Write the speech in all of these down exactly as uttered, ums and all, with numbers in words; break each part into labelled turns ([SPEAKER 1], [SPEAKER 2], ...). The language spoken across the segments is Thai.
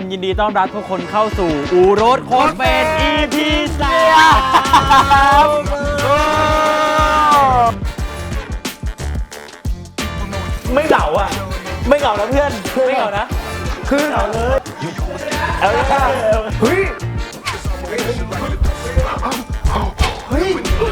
[SPEAKER 1] ยินดีต้อนรับทุกคนเข้าสู่อูรถโคตรเป็น อี พี สาม ไม่เหงาอ่ะไม่เหงานะเพื่อนไม่เหงานะคือเหงาเลยเอาเลยค่ะเฮ้ยเฮ้ยเฮ้ย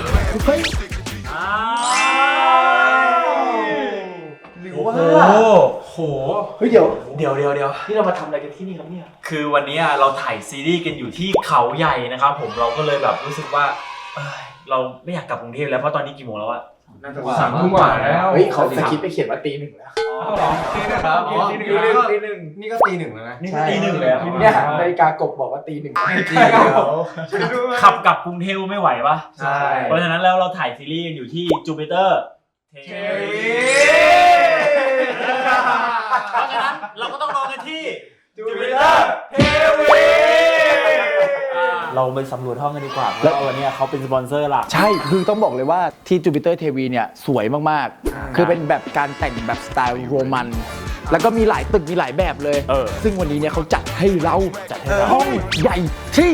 [SPEAKER 1] หรือว่าโหเฮ้ยเดี๋ยวเดี๋ยวเดี๋ยวเดี๋ยวที่เรามาทำอะไรกันที่นี่ครับเนี่ยคือวันนี้เราถ่ายซีรีส์กันอยู่ที่เขาใหญ่นะครับผมเราก็เลยแบบรู้สึกว่าเราไม่อยากกลับกรุงเทพแล้วเพราะตอนนี้กี่โมงแล้วอะ
[SPEAKER 2] สามทุ่มกว่าแล้ว
[SPEAKER 3] เฮ้ยเขาสคริปต์ไปเขียนว่าตีหนึ่งแล้ว
[SPEAKER 2] ตีหนึ่งครับตีหนึ่งตีหนึ่งนี่ก็ตีหนึ่งแล้วนะ
[SPEAKER 1] นี่ก็ตีหนึ่งแล้ว
[SPEAKER 3] เนี่ยนาฬิกากบบอกว่าตีหนึ่ง
[SPEAKER 1] ขับกลับกรุงเทพไม่ไหวปะ
[SPEAKER 3] ใช่
[SPEAKER 1] เพราะฉะนั้นแล้วเราถ่ายซีรีส์กันอยู่ที่จูปิเตอร์เทวีเพราะฉะนั้นเราก็ต้องรอกันที่จูปิเตอร์เทวีเราไปสำรวจห้องกันดีกว่าเพราะวันนี้เขาเป็นสปอนเซอร์หลัก
[SPEAKER 3] ใช่คือต้องบอกเลยว่าที่จูปิเตอร์เทวีเนี่ยสวยมากๆคือเป็นแบบการแต่งแบบสไตล์โรมันแล้วก็มีหลายตึกมีหลายแบบเลยซึ่งวันนี้เนี่ยเขาจัดให้เราจัดให้ห้องใหญ่ที่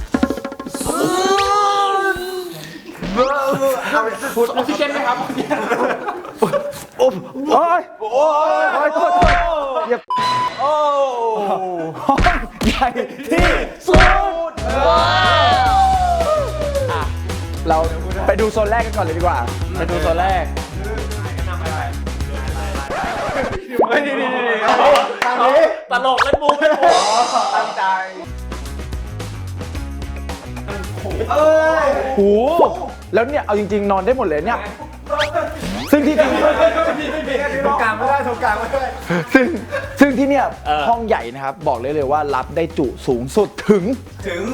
[SPEAKER 3] พูดออกซิเจนไหมครับโอ้ยโอ้ยโอ้ยโทษอย่าโอ้ห้องใหญ่ที่สุดเราไปดูโซนแรกกันก่อนเลยดีกว่าไปดูโซนแรก
[SPEAKER 1] ไม่ดีดีดีทางนี้ตลกเล่นมุกเล่นมุกตั้งใจ
[SPEAKER 3] เอ้ยโหแล้วเนี่ยเอาจริงๆนอนได้หมดเลยเนี่ยซึ่งที่จริง
[SPEAKER 2] ตรงกลางไม่ได้ตรงกลางไม่ได้
[SPEAKER 3] ซึ่งซึ่งที่เนี่ยห้องใหญ่นะครับบอกเลยเลยว่ารับได้จุสูงสุดถึง
[SPEAKER 2] ถึง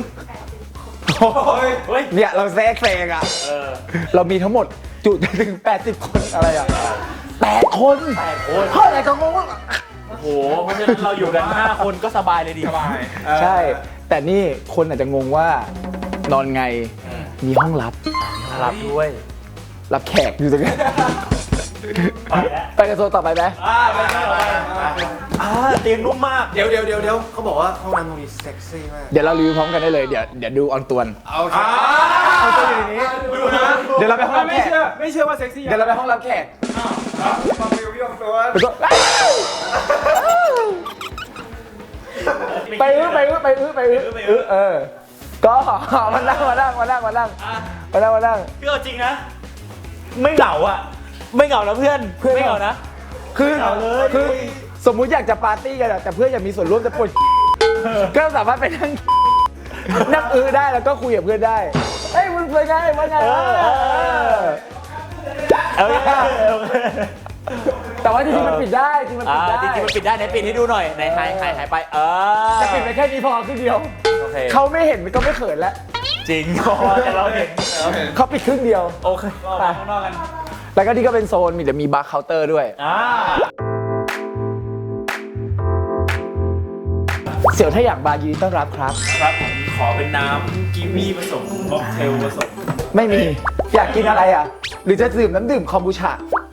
[SPEAKER 3] เนี่ยเราแซกแซงอ่ะเรามีทั้งหมดจุถึงแปดสิบคนอะไรอ่ะแปดคน
[SPEAKER 1] แปดคน
[SPEAKER 3] เท่าไหร่ก็งง
[SPEAKER 1] โอ้โหเพราะฉะนั้นเราอยู่กันห้าคนก็สบายเลยดี
[SPEAKER 2] สบาย
[SPEAKER 3] ใช่แต่นี่คนอาจจะงงว่านอนไงมีห้องลับ
[SPEAKER 1] ลับด้วย
[SPEAKER 3] รับแขกอยู่ตรงนี้ไปกันโซนต่อไปไหม
[SPEAKER 1] อ่าไปต่อไปอ่าเตียงนุ่มมาก
[SPEAKER 2] เดี๋ยวเดี๋ยวเดี๋ยวเดี๋ยวเขาบอกว่าห้องน้ำตรงนี้เซ็กซี่มาก
[SPEAKER 3] เดี๋ยวเรารีวิวพร้อมกันได้เลยเดี๋ยวเดี๋ยวดูออนตวน
[SPEAKER 2] โอเคเอาตัวอยู่ในนี้
[SPEAKER 3] ดูนะเดี๋ยวเราไปห้องรับแขก
[SPEAKER 2] ไม่เชื่อว่าเซ็กซี่
[SPEAKER 3] เดี๋ยวเราไปห้องรับแขก
[SPEAKER 2] มารีวิวออนตวน
[SPEAKER 3] ไปอื้อไปอื้อไปอื้อไปอื้อไปอื้อเออก็มานั่งมานั่งมานั่งมานั่งมานั่งมานั่ง
[SPEAKER 1] คือจริงนะไม่เหงาอ่ะไม่เหงานะเพื่อนไม่เหงานะ
[SPEAKER 3] คือคือสมมุติอยากจะปาร์ตี้กันแต่เพื่อนอยากมีส่วนร่วมจะปวดก็สามารถไปนั่งนั่งอื้อได้แล้วก็คุยกับเพื่อนได้เฮ้ยมึงเป็นไงว่าไง
[SPEAKER 1] เออ
[SPEAKER 3] แต่ว่าจริงๆมันปิดได้จริงมันปิดได้
[SPEAKER 1] จริงๆมันปิดได้ไหนปิดให้ดูหน่อยไหนหายหายหายไปเออ
[SPEAKER 3] จะปิดไปแค่นี้พอครึ่งเดียวเขาไม่เห็นมันก็ไม่เขินแล้ว
[SPEAKER 1] จริงแต่เราเห็น
[SPEAKER 3] เขาปิดครึ่งเดียว
[SPEAKER 1] โอเคไปข้างนอกกัน
[SPEAKER 3] แล้วก็นี่ก็เป็นโซนมีแต่มีบาร์เคาน์เตอร์ด้วยเสี่ยวถ้าอยากบาร์ยินดีต้อนรับครับ
[SPEAKER 1] ครับขอเป็นน้ำกีวีผสมค็อกเทลผสม
[SPEAKER 3] ไม่มีอยากกินอะไรอ่ะหรือจะดื่มน้ำดื่มคอมบูชา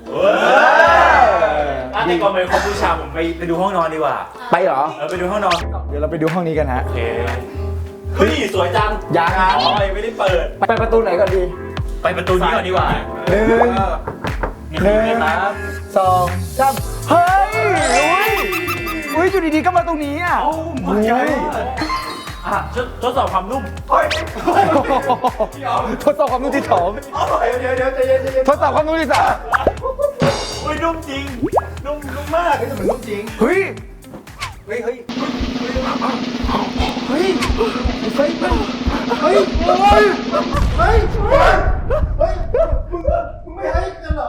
[SPEAKER 1] ในก่อนไปคอมบูชาผมไปไปดูห้องนอนดีกว่า
[SPEAKER 3] ไปเหรอ
[SPEAKER 1] เออไปดูห้องนอน
[SPEAKER 3] เดี๋ยวเราไปดูห้องนี้กันฮะ
[SPEAKER 1] โอเคเฮ้ยสวยจัง
[SPEAKER 3] ยัง
[SPEAKER 1] อ๋อไม่ได้เปิด
[SPEAKER 3] ไปประตูไหนก่อนดี
[SPEAKER 1] ไปประตูนี้ก่อนดีกว่า
[SPEAKER 3] หนึ่งหนึ่งสองสามเฮ้ยอุ้ยอุ้ยอยู่ดีๆก็มาตรงนี้อ่ะ
[SPEAKER 1] โอ้มาใหญ่อ่ะทดสอบความนุ่ม
[SPEAKER 3] ทดสอบความนุ่มที่สอง
[SPEAKER 2] เดี๋ยวเดี๋ยวใจเย็นใจเย็น
[SPEAKER 3] ทดสอบความนุ่มที่สาม
[SPEAKER 1] อุ้ยนุ่มจริงนุ่มนุ่มมาก
[SPEAKER 2] เฮ้ยแต่มันนุ่มจริง
[SPEAKER 3] เฮ้ย
[SPEAKER 2] เฮ้ยเฮ้ย
[SPEAKER 3] เฮ้ยเฮ้ยเฮ้ยเฮ้ย
[SPEAKER 2] เฮ้ยเฮ้ยมึงมึงไม่ให้กันเหรอ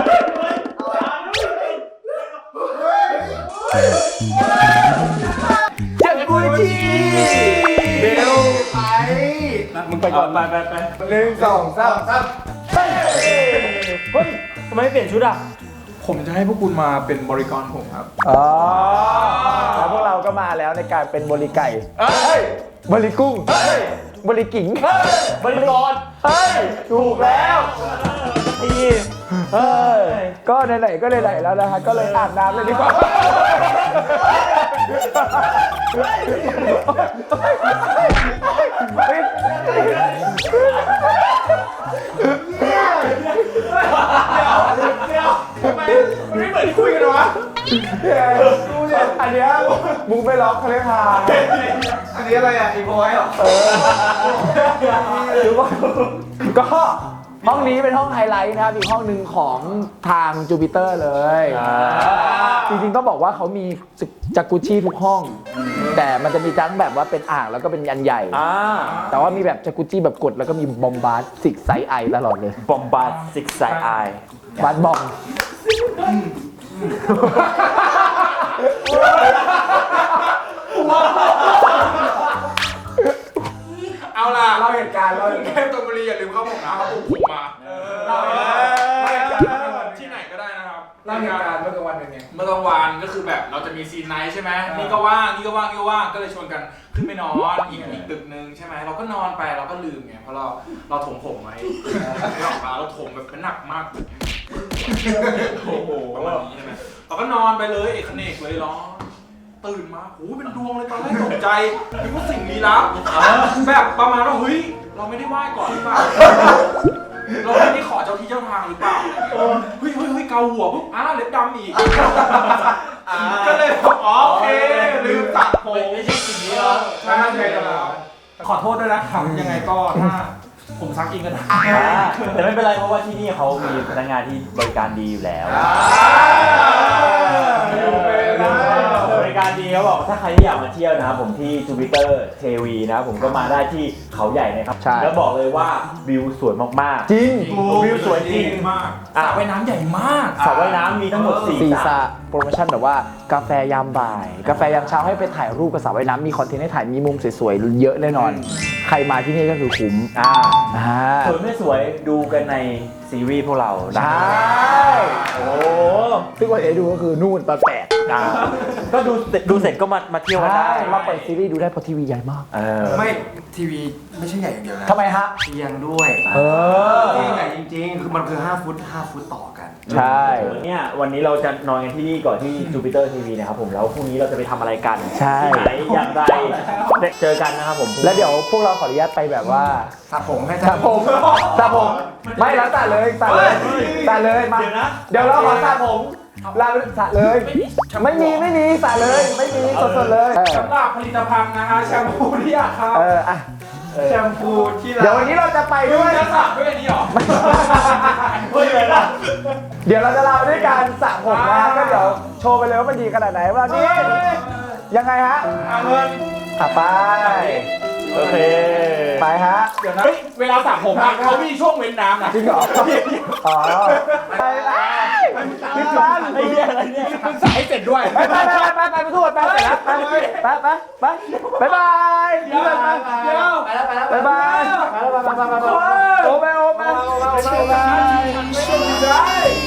[SPEAKER 3] เจ็บกุยจี
[SPEAKER 2] เบลไป
[SPEAKER 3] มึงไปก่อน
[SPEAKER 1] ไปไปไป
[SPEAKER 2] หนึ่งสองสามสาม
[SPEAKER 1] เฮ้ยทำไมไม่เปลี่ยนชุดอ่ะ
[SPEAKER 2] ผมจะให้พวกคุณมาเป็นบริการผมครับ
[SPEAKER 3] อ๋อแล้วพวกเราก็มาแล้วในการเป็นบริไก่เฮ้ยบริกุ้งเฮ้ยบริกิ่งเฮ้ย
[SPEAKER 1] บริกร
[SPEAKER 3] เฮ้ยถูกแล้วดีเฮ้ยก็ไหนๆก็ไหนๆแล้วนะฮะก็เลยอาบน้ำเลยดีกว่า
[SPEAKER 2] ทำไมมันไม่เหมือนที่คุยกันวะดูเนี่ยอันเนี้ยมึงไปล็อกเขาเรียกหาอันนี้อะไรอ่ะอีโบยเหรอเออ
[SPEAKER 3] ก็ห้องนี้เป็นห้องไฮไลท์นะครับอีกห้องหนึ่งของทางจูปิเตอร์เลยจริงๆต้องบอกว่าเขามีจากกุชี่ทุกห้อง แต่มันจะมีทั้งแบบว่าเป็นอ่างแล้วก็เป็นยันใหญ่แต่ว่ามีแบบจากกุชี่แบบกดแล้วก็มีบอมบาร์ซิกไซไอตลอดเลย
[SPEAKER 1] บอมบาร์ซิกไซไอบ
[SPEAKER 3] าร์บอม
[SPEAKER 2] เอาล่ะเราเหตุการณ์เราแค่ตรงบุรีอย่าลืมเข้าผมนะเขาปลุกผมมาเราเหตุการณ์ที่ไหนก็ได้นะครับเราเหตุการณ์เมื่อกลางวันเป็นไงเมื่อกลางวันก็คือแบบเราจะมีซีนไนท์ใช่ไหมนี่ก็ว่างนี่ก็ว่างนี่ก็ว่างก็เลยชวนกันขึ้นไปนอนอีกอีกตึกนึงใช่ไหมเราก็นอนไปเราก็ลืมไงเพราะเราเราถมผมไว้ไม่ออกมาเราถมแบบเป็นหนักมากโอ้โหประมาณนี้ใช่ไหมเราก็นอนไปเลยเอกเนกเลยร้องตื่นมาโอ้เป็นดวงเลยตอนแรกตกใจนึกว่าสิ่งลี้ลับแบบประมาณว่าเฮ้ยเราไม่ได้ไหว้ก่อนหรือเปล่าเราไม่ได้ขอเจ้าที่เจ้าทางหรือเปล่าเฮ้ยเฮ้ยเฮ้ยเกาหัวปุ๊บอ้าเล็บดำอีกก็เลยบอกอ๋อโอเคลืมตัดผมไม่ใช่สิ่งนี้แล้วใช่ใช่แล้วขอโทษด้วยนะครับยังไงก็ถ้าผมซักเองก็ได้
[SPEAKER 1] แต่ไม่เป็นไรเพราะว่าที่นี่เขามีพนักงานที่บริการดีอยู่แล้วบริการดีเขาบอกถ้าใครที่อยากมาเที่ยวนะครับผมที่จูปิเตอร์เทวีนะครับผมก็มาได้ที่เขาใหญ่นะครับแล้วบอกเลยว่าวิวสวยมากๆ
[SPEAKER 3] จริง
[SPEAKER 1] วิวสวยจริง
[SPEAKER 2] มากสระว่ายน้ำใหญ่มาก
[SPEAKER 1] สระว่ายน้ำมีทั้งหมดสี่สระ
[SPEAKER 3] โปรโมชั่นแบบว่ากาแฟยามบ่ายกาแฟยามเช้าให้ไปถ่ายรูปกับสระว่ายน้ำมีคอนเทนต์ให้ถ่ายมีมุมสวยๆเยอะแน่นอนใครมาที่นี่ก็คือคุ้มอ่า
[SPEAKER 1] สวยไม่สวยดูกันในซีรีส์พวกเรา
[SPEAKER 3] ได้โอ้ซึ่งวันเอดูก็คือนู่นตอนแปด
[SPEAKER 1] ก็ดูดูเสร็จก็มามาเที่ยวกันได้
[SPEAKER 3] มาเปิดซีรีส์ดูได้เพราะทีวีใหญ่มาก
[SPEAKER 2] ไม่ทีวีไม่ใช่ใหญ่อย่างเดียวนะ
[SPEAKER 3] ทำไมฮะ
[SPEAKER 2] เตียงด้วยเออเตียงใหญ่จริงๆคือมันคือห้าฟุตห้าฟุตต่อกัน
[SPEAKER 3] ใช่
[SPEAKER 1] เนี่ยวันนี้เราจะนอนกันที่นี่ก่อนที่จูปิเตอร์ทีวีนะครับผมแล้วพรุ่งนี้เราจะไปทำอะไรกัน
[SPEAKER 3] ใช่
[SPEAKER 1] ที่ไหนอย่างไรเจอกันนะครับผม
[SPEAKER 3] แล้วเดี๋ยวพวกเราขออนุญาตไปแบบว่า
[SPEAKER 2] สระผมให้
[SPEAKER 3] สระผมสระผมไม่แล้วสระเลยสระเลยสระเลยมาเดี๋ยวเราขอสระผมลาไปสระเลยไม่มีไม่มีสระเลยไม่มีสดๆเลย
[SPEAKER 2] สำหรับผลิตภัณฑ์นะฮะแชมพูที่อยากเข้า
[SPEAKER 3] เอออ่ะ
[SPEAKER 2] แชมพูที่
[SPEAKER 3] เดี๋ยววันนี้เราจะไปด้วย
[SPEAKER 2] จะสระด้วยนี่หรอ
[SPEAKER 3] ไม่เลยนะเดี๋ยวเราจะลาไปด้วยการสระผมนะก็เดี๋ยวโชว์ไปเลยว่ามันดีขนาดไหนวันนี้ยังไงฮะ
[SPEAKER 2] เอาเงิน
[SPEAKER 3] อ่ะไป
[SPEAKER 1] โอเค
[SPEAKER 3] ไปฮะ
[SPEAKER 2] เดี๋ยวนะเวลาสระผมเขามีช่วงเว้นน้ำนะ
[SPEAKER 3] จริงเหรออ๋อไปเลยพี่ปัน
[SPEAKER 1] ไอ้เนี่ยอะไรเนี่ย
[SPEAKER 2] มึงใส่ให้เสร็จด้วย
[SPEAKER 3] ไปไปไปไปไปไปทุกคนไปเสร็จแล้วไปไปไปไปไปบาย
[SPEAKER 2] เดี๋ยวเดี๋ยวไปแล้วไปแล้ว
[SPEAKER 3] ไปบายไปแล้วไปไปไปไปโอ้ไปโอ้ไปโอ้ไปโอ้ไปไป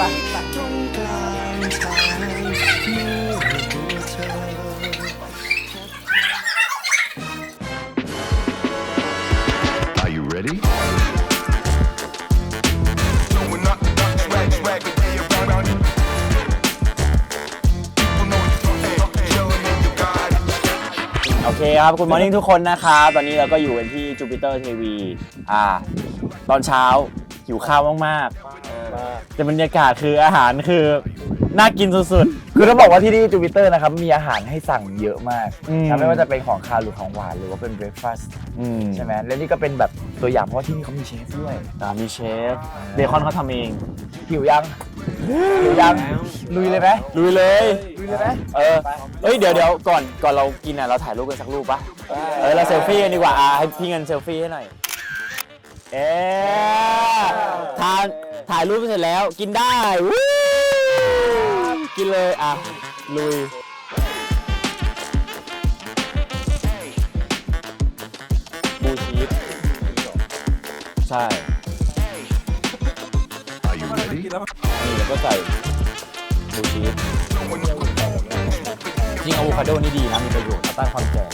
[SPEAKER 4] Ready?
[SPEAKER 1] โอเคครับคุณมอร์นิ่งทุกคนนะครับตอนนี้เราก็อยู่กันที่จูปิเตอร์ทีวีอ่าตอนเช้าหิวข้าวมากๆแต่บรรยากาศคืออาหารคือน่ากินสุด
[SPEAKER 3] ๆคือต้องบอกว่าที่นี่จูปิเตอร์นะครับมีอาหารให้สั่งเยอะมากไม่ว่าจะเป็นของคาวหรือของหวานหรือว่าเป็นเบรคฟาสต์ใช่ไหมและนี่ก็เป็นแบบตัวอย่างเพราะว่าที่นี่เขามีเชฟด้วย
[SPEAKER 1] มีเชฟเบคอนเขาทำเอง
[SPEAKER 3] หิวยังหิวยังลุยเลยไหม
[SPEAKER 1] ลุยเลย
[SPEAKER 3] ลุยเลยไหม
[SPEAKER 1] เออเอ้ยเดี๋ยวเดี๋ยวก่อนก่อนเรากินอ่ะเราถ่ายรูปกันสักรูปปะเออเราเซลฟี่กันดีกว่าอ่ะให้พี่เงินเซลฟี่ให้หน่อยเอ๊ทานถ่ายรูปเสร็จแล้วกินได้กินเลยอ่ะลุยบูชีสใช่นี่แล้วก็ใส่บูชีสจริงอะโวคาโดนี่ดีนะมีประโยชน์ต้านความแก่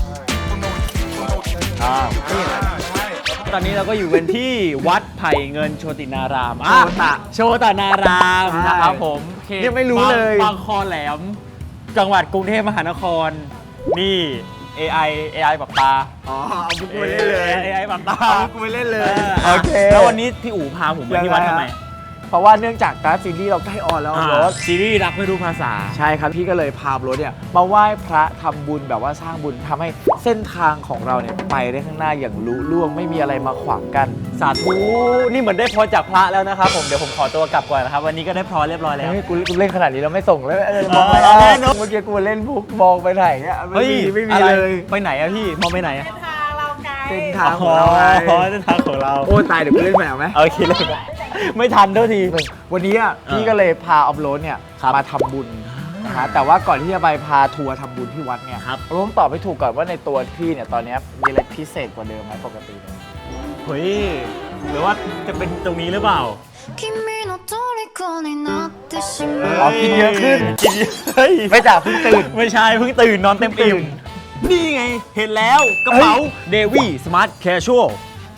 [SPEAKER 1] อ่าตอนนี้เราก็อยู่กันที่วัดไผ่เงินโชตินารามโชตะโชตนารามนะครับผม
[SPEAKER 3] ยังไม่รู้เลย
[SPEAKER 1] บางคอแหลม
[SPEAKER 4] จังหวัดกรุงเทพมหานครนี่ เอ ไอ เอ ไอ ปรับตา
[SPEAKER 3] อ๋อเอาบุกไปเล่นเลย
[SPEAKER 4] เอ ไอ ปรับตา
[SPEAKER 3] เอาบุกไปเล่นเลยโอเค
[SPEAKER 4] แล้ววันนี้พี่อู๋พาผมมาที่วัดทำไม
[SPEAKER 3] เพราะว่าเนื่องจากการซีรีส์เราใกล้ออนแล้วรถ
[SPEAKER 4] ซีรีส์รักไม่รู้ภาษา
[SPEAKER 3] ใช่ครับพี่ก็เลยพารถเนี่ยมาไหว้พระทำบุญแบบว่าสร้างบุญทำให้เส้นทางของเราเนี่ยไปได้ข้างหน้าอย่างลุล่วงไม่มีอะไรมาขวางกัน
[SPEAKER 4] สาธุนี่เหมือนได้พรจากพระแล้วนะครับผมเดี๋ยวผมขอตัวกลับก่อนนะครับวันนี้ก็ได้พรเรียบร้อยแล้ว
[SPEAKER 3] เฮ้ยกูกูเล่นขนาดนี้เราไม่ส่งแล้วเออมองไป
[SPEAKER 4] เออแน่นอน
[SPEAKER 3] เมื่อกี้กูเล่นปุ๊บมองไปไหนเนี่ยไม่มีไม่มี
[SPEAKER 4] อะไร
[SPEAKER 3] เลย
[SPEAKER 4] ไปไหนอะพี่มองไปไหนอะ
[SPEAKER 3] เป็นทางของเราไง
[SPEAKER 4] อ๋อเส้นทางของเรา
[SPEAKER 3] โอ้ตายเดี๋ยวกูเล่นแมวไหม
[SPEAKER 4] โอเคเลยไม่ทันเท่าที
[SPEAKER 3] วันนี้อ่ะพี่ก็เลยพาออฟโรดเนี่ย
[SPEAKER 4] ครับ
[SPEAKER 3] มาทำบุญนะฮะแต่ว่าก่อนที่จะไปพาทัวร์ทำบุญที่วัดเนี่ย
[SPEAKER 4] ครับ
[SPEAKER 3] เราต้องตอบให้ถูกก่อนว่าในตัวพี่เนี่ยตอนเนี้ยมีอะไรพิเศษกว่าเดิมไหมปกติเนี่ย
[SPEAKER 4] เฮ้ยหรือว่าจะเป็นตรงนี้หรือเปล่า
[SPEAKER 5] 君の虜になってしまう
[SPEAKER 3] อ๋อกินเยอะขึ้น
[SPEAKER 4] กินเยอะเฮ้ย
[SPEAKER 3] ไม่จากเพิ่งตื่น
[SPEAKER 4] ไม่ใช่เพิ่งตื่นนอนเต็มอิ่มนี่ไงเห็นแล้วกระเป๋าเดวี่สมาร์ทแคชชวล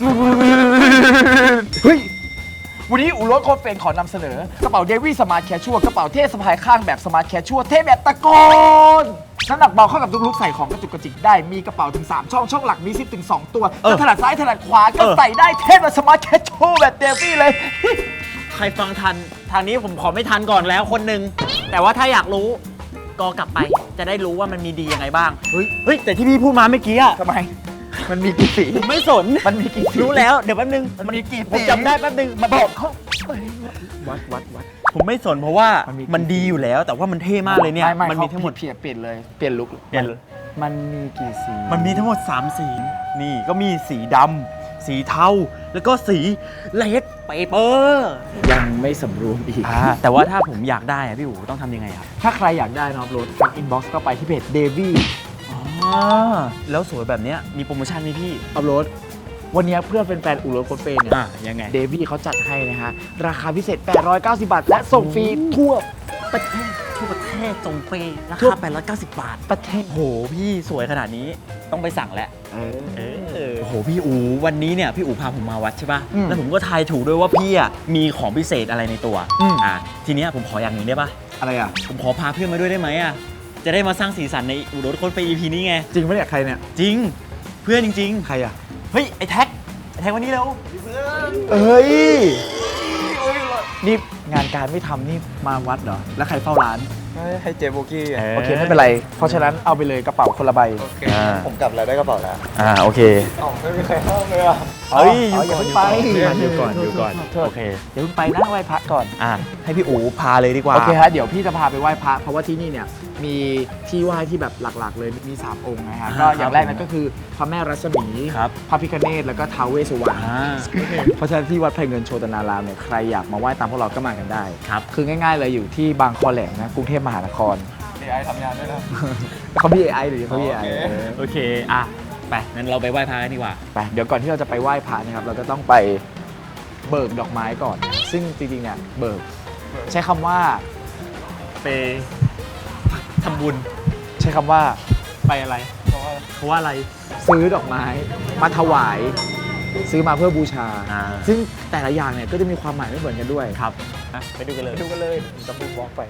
[SPEAKER 3] เฮ้ย วันนี้อูรถโคตรเฟนขอนำเสนอกระเป๋าเดวี่สมาร์ทแคชชัวกระเป๋าเท่สะพายข้างแบบสมาร์ทแคชชัวเท่แบบตะโกนน้ำหนักเบาเข้ากับทุกลุกใส่ของกระจุกกระจิกได้มีกระเป๋าถึงสามช่องช่องหลักมีซิปถึงสองตัวจะถนัดซ้ายถนัดขวาก็ใส่ได้เท่แบบสมาร์ทแคชชัวแบบเดวี่เลย
[SPEAKER 4] ใครฟังทันทางนี้ผมขอไม่ทันก่อนแล้วคนหนึ่งแต่ว่าถ้าอยากรู้ก็กลับไปจะได้รู้ว่ามันมีดียังไงบ้าง
[SPEAKER 3] เฮ้ย
[SPEAKER 4] เฮ้ยแต่ที่พี่พูดมาเมื่อกี้อะ
[SPEAKER 3] ทำไม มันมีกี่สี
[SPEAKER 4] ผมไม่สน
[SPEAKER 3] มันมีกี่สี
[SPEAKER 4] รู้แล้วเดี๋ยวแป๊บนึง
[SPEAKER 3] มันมีกี่สี
[SPEAKER 4] ผมจำได้แป๊บนึงมา
[SPEAKER 3] บบ อ
[SPEAKER 4] อก ก
[SPEAKER 3] เขาวัดวัดวัด
[SPEAKER 4] ผมไม่สนเพราะว่า
[SPEAKER 3] มันมี
[SPEAKER 4] มันดีอยู่แล้ว แต่ว่ามันเท่มากเลยเนี่ย
[SPEAKER 3] ไไ
[SPEAKER 4] มันมีทั้งหมด
[SPEAKER 3] เปลี่ยนเปลี่ยนเลยเปลี่ยนลุก
[SPEAKER 4] เปลี่ยน
[SPEAKER 3] มันมีกี่สี
[SPEAKER 4] มันมีทั้งหมดสามสีนี่ก็มีสีดำสีเทาแล้วก็สีเลดเปเปอร์
[SPEAKER 3] ยังไม่สำรวมอีก
[SPEAKER 4] แต่ว่าถ้าผมอยากได้อะพี่อู๋ต้องทำยังไงครับ
[SPEAKER 3] ถ้าใครอยากได้นะครับรถทักอินบ็อกซ์ก็ไปที่เพจเดวี่
[SPEAKER 4] อ๋อแล้วสวยแบบเนี้ยมีโปรโมชั่นไหมพี่
[SPEAKER 3] อัพโหลดวันนี้เพื่อเป็นแฟนอูรถโคตรเฟนเนี่ย
[SPEAKER 4] อ่ะยังไง
[SPEAKER 3] เดวี่เขาจัดให้นะฮะ ราคาพิเศษ แปดร้อยเก้าสิบบาท และส่งฟรีทั่วประเทศ
[SPEAKER 4] ทั่วประเทศส่งฟรีรา
[SPEAKER 3] ทั่ว
[SPEAKER 4] คาแปดร้อยเก้าสิบบาท
[SPEAKER 3] ประเทศ
[SPEAKER 4] โหพี่สวยขนาดนี้ต้องไปสั่งแล้ว
[SPEAKER 3] เออ
[SPEAKER 4] เออโอ้โหพี่อูวันนี้เนี่ยพี่อูพาผมมาวัดใช่ป่ะ
[SPEAKER 3] อืม
[SPEAKER 4] แล้วผมก็ทายถูกด้วยว่าพี่อ่ะมีของพิเศษอะไรในตัว
[SPEAKER 3] อืม
[SPEAKER 4] อ่ะทีเนี้ยผมขออย่างหนึ่งได้ป่ะ
[SPEAKER 3] อะไรอ่ะ
[SPEAKER 4] ผมขอพาเพื่อนมาด้วยได้ไหมอ่ะจะได้มาสร้างสีสันในอูรถคนไป อี พี นี้ไง
[SPEAKER 3] จริงปะเนี่ยใครเนี่ย
[SPEAKER 4] จริงเพื่อนจริง
[SPEAKER 3] ใครอ่ะ
[SPEAKER 4] ๆเฮ้ยไอ้แท็กไอ้แท็กวันนี้เร็ว
[SPEAKER 3] เอ้ย นี่งานการไม่ทำนี่มาวัดเหรอ แล้วใครเฝ้าร้าน
[SPEAKER 6] ให้เจโบกี้
[SPEAKER 3] โอเค ไม่เป็นไร เพราะฉะนั้นเอาไปเลยกระเป๋าคนละใบ
[SPEAKER 6] โอเค
[SPEAKER 4] อ่า
[SPEAKER 6] ผมกลับแล้วได้กระเป๋าแล้ว
[SPEAKER 4] อ่าโอเค
[SPEAKER 6] อ๋อไม่มีใครห้ามเลยอ่ะ
[SPEAKER 4] เฮ้ย
[SPEAKER 3] อ๋ออย่าเพิ่งไป
[SPEAKER 4] อยู่ก่อนอยู่ก่อน
[SPEAKER 3] โทษ
[SPEAKER 4] โอเค
[SPEAKER 3] เดี๋ยวเพิ่งไปนะไหว้พระก่อน
[SPEAKER 4] อ่ะให้พี่อูพาเลยดีกว่า
[SPEAKER 3] โอเคฮะเดี๋ยวพี่จะพาไปไหว้พระ เพราะว่าที่นี่เนี่ยมีที่ไหว้ที่แบบหลักๆ เลยมีสามองค์นะฮะ
[SPEAKER 4] อ่า
[SPEAKER 3] ก็อย่างแรก
[SPEAKER 4] ครับ
[SPEAKER 3] นั่นก็คือพระแม่รัศมี
[SPEAKER 4] ครับ
[SPEAKER 3] พระพิฆเนศแล้วก็ท้าวเวสสุวรรณ
[SPEAKER 4] อ่า
[SPEAKER 3] เพราะฉะนั้นที่วัดไผ่เงินโชตนารามเนี่ยใครอยากมาไหว้ตามพวกเราก็มากันได้
[SPEAKER 4] ครับ
[SPEAKER 3] คือง่ายๆเลยอยู่ที่บางคอแหลมนะกรุงเทพมหานคร
[SPEAKER 6] เอ ไอ ทำงานด้วยนะ
[SPEAKER 3] เขามี เอ ไอ หรือเขามี เอ ไอ
[SPEAKER 6] โอเค
[SPEAKER 4] โอเคอ่ะไปงั้นเราไปไหว้พระกันดีกว่า
[SPEAKER 3] ไปเดี๋ยวก่อนที่เราจะไปไหว้พระนะครับเราก็ต้องไปเบิกดอกไม้ก่อน ซึ่งจริงๆเนี่ยเบิกใช้คำว่า
[SPEAKER 4] ไปทำบุญ
[SPEAKER 3] ใช้คำว่า
[SPEAKER 4] ไปอะไร เพราะว่าอะไร
[SPEAKER 3] ซื้อดอกไม้มาถวาย ซื้อมาเพื่อบูชา
[SPEAKER 4] อ่า
[SPEAKER 3] ซึ่งแต่ละอย่างเนี่ยก็จะมีความหมายไม่เหมือนกันด้วย
[SPEAKER 4] ครับอ่ะไปดูกันเลย
[SPEAKER 3] ไปดูกันเลยจะบูบล็อกไป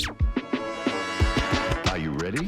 [SPEAKER 7] Are you ready?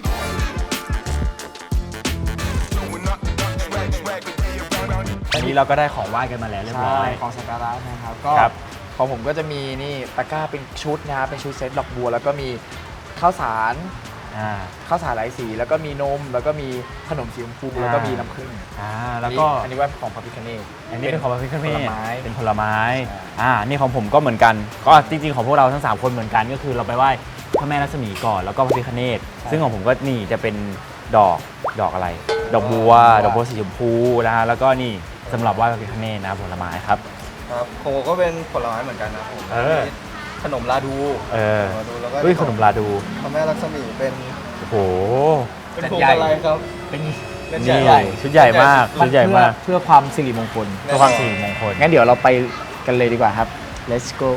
[SPEAKER 4] ตอนนี้เราก็ได้ของไหว้กันมาแล้วเรียบร้
[SPEAKER 3] ใช่
[SPEAKER 4] อย
[SPEAKER 3] ของสักการะนะครับก็
[SPEAKER 4] ครับ
[SPEAKER 3] ของผมก็จะมีนี่ตะกร้าเป็นชุดนะครับเป็นชุดเซตดอกบัว แล้วก็มีข้าวสาร
[SPEAKER 4] อ่า
[SPEAKER 3] ข้าวสารหลายสี แล้วก็มีนม แล้วก็มีขนมสีชมพู
[SPEAKER 4] อ่า
[SPEAKER 3] แล้วก็มีน้ำผึ้ง
[SPEAKER 4] อ่าแล้วก็
[SPEAKER 3] อันนี้ว่าของพระพิฆเนศ
[SPEAKER 4] อันนี้เป็นของพระพิฆเน
[SPEAKER 3] ผล
[SPEAKER 4] ศ
[SPEAKER 3] ไม้
[SPEAKER 4] เป็นผลไม้
[SPEAKER 3] ใช่
[SPEAKER 4] อ่า นี่ของผมก็เหมือนกัน ก็จริงๆของพวกเราทั้งสามคนเหมือนกัน ก็คือเราไปไหว้พระแม่รัศมีก่อน แล้วก็พระพิฆเนศ ซึ่งของผมก็นี่จะเป็นดอก ดอกอะไร ดอกบัว ดอกบัวสีชมพูนะฮะ แล้วก็นี่สำหรับไหว้พระพิฆเนศนะผลไม้ครับ
[SPEAKER 6] ครับโคก็เป็นผลไม้เหมือนกันนะผม
[SPEAKER 4] เออ
[SPEAKER 6] มีขนมลาดู
[SPEAKER 4] เออ
[SPEAKER 6] ลาดูแล้วก็
[SPEAKER 4] เฮ้ยขนมลาดู
[SPEAKER 6] พระแม่ลักษมีเป็น
[SPEAKER 4] โอ้โห
[SPEAKER 6] เป็น
[SPEAKER 3] จัด
[SPEAKER 6] พวง
[SPEAKER 3] ใหญ่
[SPEAKER 6] อะไรครับ
[SPEAKER 3] เป็น
[SPEAKER 6] เป็น
[SPEAKER 4] นี่
[SPEAKER 6] ใหญ่
[SPEAKER 4] ชุดใหญ่มาก ชุดใหญ่มาก
[SPEAKER 3] เพื่อเพื่อความสิริมงคล
[SPEAKER 4] เพื่อความสิริมงคล
[SPEAKER 3] งั้นเดี๋ยวเราไปกันเลยดีกว่าครับ let's go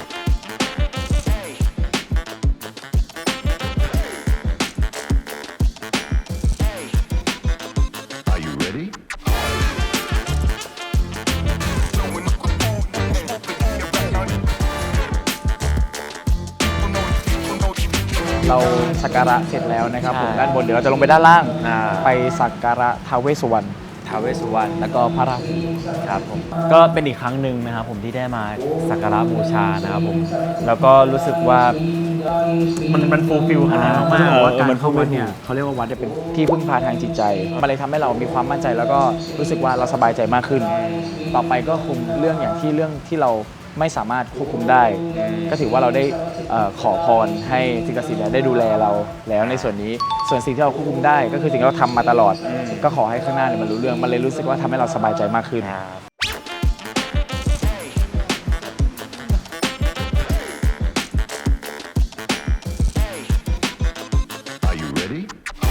[SPEAKER 7] Are you ready?
[SPEAKER 3] เราสักการะเสร็จแล้วนะครับผม
[SPEAKER 4] ใช่
[SPEAKER 3] ด้านบนเดี๋ยวเราจะลงไปด้านล่าง
[SPEAKER 4] อ่า
[SPEAKER 3] ไปสักการะท้าวเวสสุวรรณ
[SPEAKER 4] ท้าวเวสสุวรรณ
[SPEAKER 3] แล้วก็พระราหู
[SPEAKER 4] ครับผมก็เป็นอีกครั้งหนึ่งนะครับผมที่ได้มาสักการะบูชานะครับผมแล้วก็รู้สึกว่ามันมันฟูลฟิลขนาดมาก
[SPEAKER 3] เพราะว่า
[SPEAKER 4] เออ
[SPEAKER 3] การ
[SPEAKER 4] มัน
[SPEAKER 3] เข้าวัดเนี่ยเขาเรียกว่าวัดจะเป็นที่พึ่งพาทางจิตใจ มันเลยทำให้เรามีความมั่นใจแล้วก็รู้สึกว่าเราสบายใจมากขึ้น ต่อไปก็คงเรื่องอย่างที่เรื่องที่เราไม่สามารถควบคุมได้ ก็ถือว่าเราได้เอ่อขอพรให้สิ่งศักดิ์สิทธิ์เนี่ยได้ดูแลเราแล้วในส่วนนี้ส่วนสิ่งที่เราควบคุมได้ ก็คือสิ่งที่เราทำมาตลอด ก็ขอให้ข้างหน้าเนี่ยมันรู้เรื่องมันเลยรู้สึกว่าทำให้เราสบายใจมากขึ้น
[SPEAKER 7] Are you ready?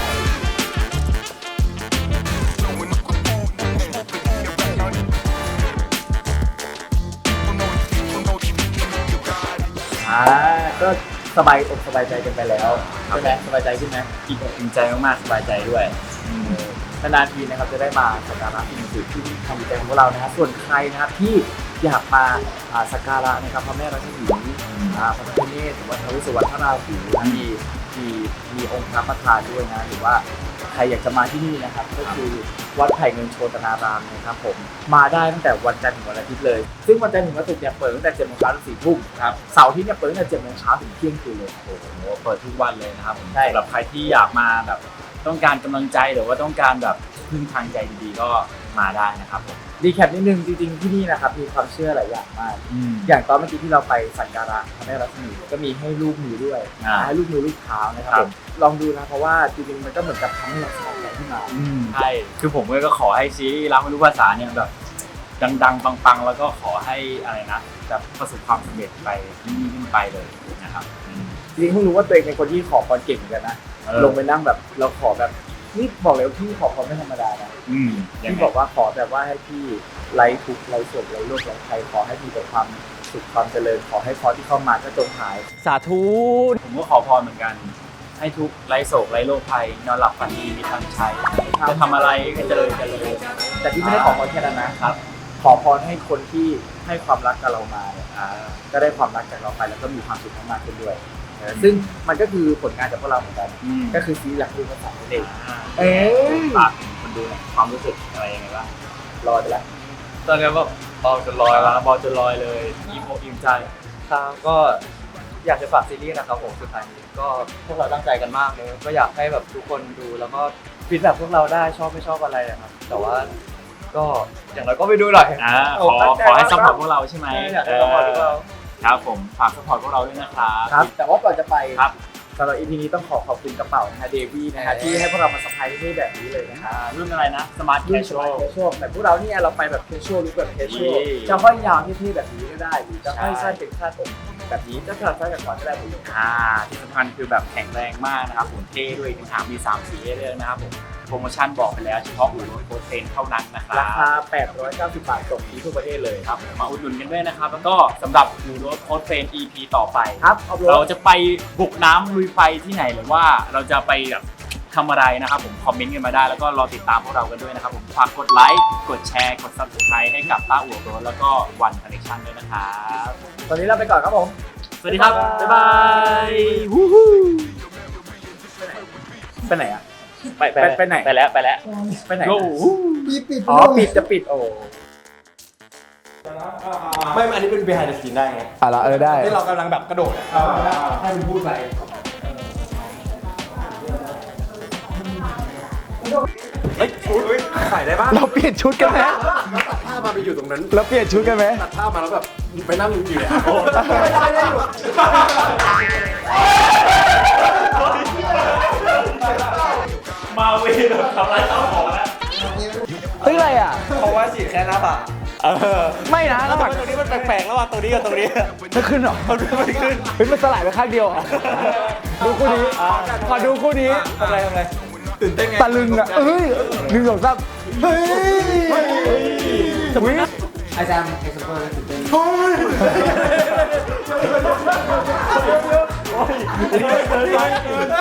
[SPEAKER 3] อ่าก็สบายอกสบายใจกันไปแล้วใช่ไหมสบายใจขึ้นไหม
[SPEAKER 4] อิ่มอกอิ่มใจมากๆสบายใจด้วย
[SPEAKER 3] นานๆทีนะครับจะได้มาสักการะสิ่งศักดิ์สิทธิ์ที่ทำใจของพวกเรานะครับส่วนใครนะครับที่อยากมาอ่าสักการะนะครับพระแม่รัศมีอ่าพระพิฆเนศหรือว่าท้าวเวสสุวรรณพระราหูนะมีมีมีองค์พระประธานด้วยนะหรือว่าใครอยากจะมาที่นี่นะครับก็คือวัดไผ่เงินโชตนารามนะครับผมมาได้ตั้งแต่วันจันทร์ถึงวันอาทิตย์เลย ซึ่งวันจันทร์ถึงวันศุกร์เนี่ยเปิดตั้งแต่เจ็ดโมงเช้าถึงสี่ทุ่มครับเสาร์อาทิตย์เนี่ยเปิดตั้งแต่เจ็ดโมงเช้าถึงเที่ยงคืนเลย
[SPEAKER 1] โอ้โหเปิดทุกวันเลยนะครับผม
[SPEAKER 3] ใช่
[SPEAKER 1] สำหรับใครที่อยากมาแบบต้องการกำลังใจหรือว่าต้องการแบบพึ่งทางใจดีๆก็มาได้นะครับผม
[SPEAKER 3] รีแคปนิดนึงจริงๆที่นี่นะครับมีความเชื่อหลายอย่างมาก
[SPEAKER 1] อืม
[SPEAKER 3] อย่างตอนเมื่อกี้ที่เราไปสักการะพระแม่รัศมีก็มีให้ลูกมือด้วย
[SPEAKER 1] อ่า
[SPEAKER 3] ให้ลูกมือลูกเท้านะครับ
[SPEAKER 1] ครั
[SPEAKER 3] ผ
[SPEAKER 1] บ
[SPEAKER 3] มลองดูนะเพราะว่าจริงๆมันก็เหมือนกับทำให้เราสบายใจขึ้นมา
[SPEAKER 1] ใช่คือผมก็ขอให้ซีรีส์รักไม่รู้ภาษาเนี่ยแบบดังๆปังๆแล้วก็ขอให้อะไรนะแบบประสบความสำเร็จไปยิ่งขึ้นไปเลยนะครับอืม
[SPEAKER 3] จริงๆเพิ่งรู้ว่าตัวเองเป็นคนที่ขอพรเก่งเหมือนกันนะ
[SPEAKER 1] เออ
[SPEAKER 3] ลงไปนั่งแบบเราขอแบบนี่บอกเลยว่าพี่ขอพรไม่ธรรมดานะ
[SPEAKER 1] อืมยัง
[SPEAKER 3] พี่
[SPEAKER 1] ไง
[SPEAKER 3] บอกว่าขอแบบว่าให้พี่ไร้ทุกข์ไร้โศกไร้โรคไร้ภัยขอให้มีแต่ความสุขความเจริญขอให้พรที่เข้ามาก็จงหาย
[SPEAKER 4] สาธุ
[SPEAKER 1] ผมก็ขอพรเหมือนกัน ให้ทุกข์ไร้โศกไร้โรคภัยนอนหลับฝันดีมีทางใช้จะทำอะไรก็เจริญเจริญ
[SPEAKER 3] แต่พี่ไม่ได้ขอพรแค่นั้นนะครับ ขอพรให้คนที่ให้ความรักกับเรามาเนี่ยอ่าก็ได้ความรักจากเราไปแล้วก็มีความสุขมากขึ้นด้วยเออซึ่งมันก็คือผลงานจากพวกเราเหมือนกัน
[SPEAKER 1] อืม
[SPEAKER 3] ก็คือซีรีส์หลักดูภาษาเด็ก
[SPEAKER 1] เอ๊ฝากถึงคนดูหน่อยความรู้สึกอะไรยังไงบ้าง
[SPEAKER 3] รอไปแล้ว
[SPEAKER 6] ตอนนี้แบบเบาจนลอยแล้ว
[SPEAKER 1] บอลจะลอยเลยอิ่มอกอิ่มใจ
[SPEAKER 6] ครับก็อยากจะฝากซีรีส์นะครับผมสุดท้ายนี้ก็พวกเราตั้งใจกันมากเลยก็อยากให้แบบทุกคนดูแล้วก็ฟีดแบ็กพวกเราได้ชอบไม่ชอบอะไรอะครับแต่ว่าก็อย่างไรก็ไปดูหน่อย
[SPEAKER 1] อ่าขอขอให้ซัพพอร์ตพวกเราใช่ไหม
[SPEAKER 6] อยากให้ซัพพอร์ตพวกเรา
[SPEAKER 1] ครับผมฝากซัพพอร์ตพวกเราด้วยนะครับ
[SPEAKER 3] ครับ แต่ว่าก่อนจะไป
[SPEAKER 1] ครับ
[SPEAKER 3] สำหรับ อี พี นี้ต้องขอขอบคุณกระเป๋านะฮะเดวี่นะฮะที่ให้พวกเรามาสัมภาษณ์ที่นี่แบบนี้เลยนะฮะ
[SPEAKER 1] อ่ารุ่นอะไรนะสมาร์ทแค
[SPEAKER 3] รุ่น
[SPEAKER 1] ช
[SPEAKER 3] ส
[SPEAKER 1] ช
[SPEAKER 3] มา
[SPEAKER 1] ว
[SPEAKER 3] ร์ท
[SPEAKER 1] ล
[SPEAKER 3] แคชชวลแต่พวกเราเนี่ยเราไปแบบแคชชวลหรือแบบแคชชวล
[SPEAKER 1] นี่
[SPEAKER 3] จะห้อยยาวเท่ๆแบบนี้ก็ได้หรือจะห้อย
[SPEAKER 1] ใช่
[SPEAKER 3] สั้นเป็นคาดผมแบบนี้จะสลับซ้ายกับขวาก็ได้หมดเลย
[SPEAKER 1] อ่าที่สำคัญคือแบบแข็งแรงมากนะครับผมเท่ด้วยถึงหางมีสามสีให้เลือกนะครับผมโปรโมชั่นบอกไปแล้วเฉพาะอู่รถโค้ดเทรนเท่านั้นนะครั
[SPEAKER 3] รา
[SPEAKER 1] บ
[SPEAKER 3] คา แปดร้อยเก้าสิบบาทส่งฟรีทั่วประเทศเลย
[SPEAKER 1] ครับมาอุดหนุนกันด้วยนะครับ แล้วก็สำหรับอู่รถโค้ดเทรน อี พี ต่อไป
[SPEAKER 3] ครับเอาร
[SPEAKER 1] เรา
[SPEAKER 3] ถ
[SPEAKER 1] จะไปบุกน้ำลุยไฟที่ไหนหรือว่าเราจะไปแบบทำอะไรนะครับผมคอมเมนต์กันมาได้แล้วก็รอติดตามพวกเรากันด้วยนะครับผมฝากกดไลค์กดแชร์กด ซับสไครบ์ ให้กับต้าอู่รถแล้วก็วันคอนเนคชั่นด้วยนะครับ
[SPEAKER 3] ตอนนี้เราไปก่อนครับผม
[SPEAKER 1] สวัสดีครับ บ๊ายบาย
[SPEAKER 3] ไปไหนอ่ะ
[SPEAKER 1] ไป
[SPEAKER 3] ไปไปไหน
[SPEAKER 1] ไปแล้วไปแล้ว
[SPEAKER 3] ไปไหน
[SPEAKER 1] โอ้
[SPEAKER 3] อ๋อปิดจะปิดโอ้
[SPEAKER 6] ไม่อันนี้เป็น behind the scene ได้ไง
[SPEAKER 3] อ่ะละเออได้
[SPEAKER 6] ที่เรากำลังแบบกระโดดอะ
[SPEAKER 3] ให้มันพูดไป
[SPEAKER 6] ใส่ได้ป่ะ
[SPEAKER 3] เราเปลี่ยนชุดกันไหม
[SPEAKER 6] ถ้ามาไปอยู่ตรงนั้น
[SPEAKER 3] เราเปลี่ยนชุดกันไหม
[SPEAKER 6] ตัดภาพมาแล้วแบบไปนั่งอยู่เนี่ย
[SPEAKER 1] มาเวรทำอะไรต้องขอแล้ว
[SPEAKER 3] เฮ้ยอะไรอ่ะ
[SPEAKER 6] เพราะว่าฉีดแค่หน้าผาก
[SPEAKER 3] ไม่นะระหว่าง
[SPEAKER 6] ตรงนี้มันแปลกๆระหว่างตรงนี้กับตรงนี้
[SPEAKER 3] ไม่ขึ้นหรอ
[SPEAKER 6] มันไม่ขึ้น
[SPEAKER 3] เฮ้ยมันสลายไปข้างเดียวเหรอดูคู่นี้ขอดูคู่นี้
[SPEAKER 6] ทำอะไรทำอะไรตื่นเต้นไง
[SPEAKER 3] ตะลึงอ่ะเอ้ยหนึ่งสองสามเฮ้ยสมมติไอแซมไอซัมเปอร์ตื่นเต้น
[SPEAKER 6] เฮ้ย